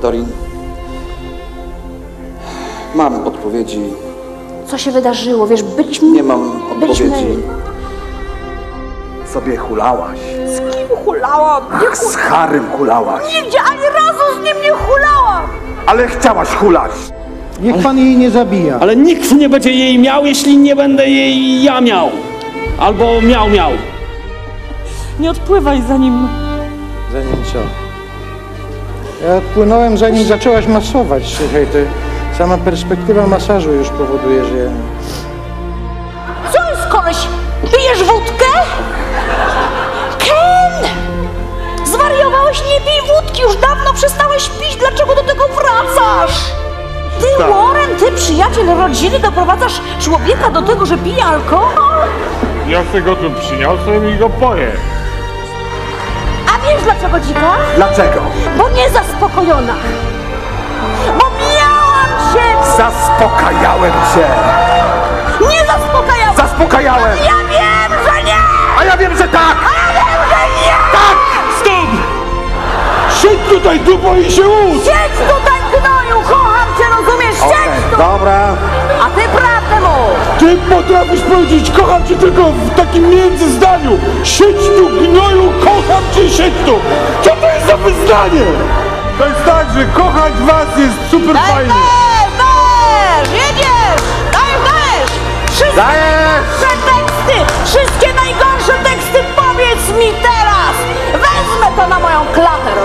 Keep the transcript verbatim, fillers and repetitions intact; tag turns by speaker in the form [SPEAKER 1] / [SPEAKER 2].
[SPEAKER 1] Wiktorii. Mam odpowiedzi.
[SPEAKER 2] Co się wydarzyło? Wiesz, byliśmy...
[SPEAKER 1] Nie mam odpowiedzi.
[SPEAKER 2] Byliśmy...
[SPEAKER 3] Sobie hulałaś.
[SPEAKER 2] Z kim hulałam? Nie
[SPEAKER 3] Ach, z Harrym hulałaś.
[SPEAKER 2] Nigdzie ani razu z nim nie hulałam!
[SPEAKER 3] Ale chciałaś hulać.
[SPEAKER 4] Niech pan jej nie zabija.
[SPEAKER 5] Ale nikt nie będzie jej miał, jeśli nie będę jej ja miał. Albo miał, miał.
[SPEAKER 6] Nie odpływaj zanim...
[SPEAKER 4] Zanim co? Ja odpłynąłem, zanim zaczęłaś masować. Słuchaj, ty, sama perspektywa masażu już powoduje, że ja...
[SPEAKER 2] Co jest, koleś? Pijesz wódkę? Ken! Zwariowałeś? Nie pij wódki! Już dawno przestałeś pić! Dlaczego do tego wracasz? Ty, Warren, ty, przyjaciel rodziny, doprowadzasz człowieka do tego, że pije alkohol?
[SPEAKER 7] Ja se go tu przyniosłem i go poję.
[SPEAKER 2] A wiesz dlaczego, dzika?
[SPEAKER 3] Dlaczego?
[SPEAKER 2] Bo niezaspokojona. Bo miałam cię!
[SPEAKER 3] Zaspokajałem cię.
[SPEAKER 2] Nie zaspokajałam!
[SPEAKER 3] Zaspokajałem.
[SPEAKER 2] Ja wiem, że nie!
[SPEAKER 3] A ja wiem, że tak.
[SPEAKER 2] A ja wiem, że nie!
[SPEAKER 3] Tak!
[SPEAKER 5] Stop! Siedź tutaj, dupo, i się łódź!
[SPEAKER 2] Siedź tutaj, gnoju! Kocham cię, rozumiesz? Siedź tu!
[SPEAKER 3] Dobra.
[SPEAKER 2] A ty prawdę mów!
[SPEAKER 5] Ty potrafisz powiedzieć, kocham cię tylko w takim międzyzdaniu. Siedź tu, gnoju, kocham cię, siedź tu. Co to jest za wyznanie?
[SPEAKER 7] To jest tak, że kochać was jest super fajnie.
[SPEAKER 2] Dajesz, dajesz! Jedziesz! Dajesz, dajesz! Wszystkie
[SPEAKER 3] Dajesz!
[SPEAKER 2] najgorsze teksty! Wszystkie najgorsze teksty powiedz mi teraz! Wezmę to na moją klatę,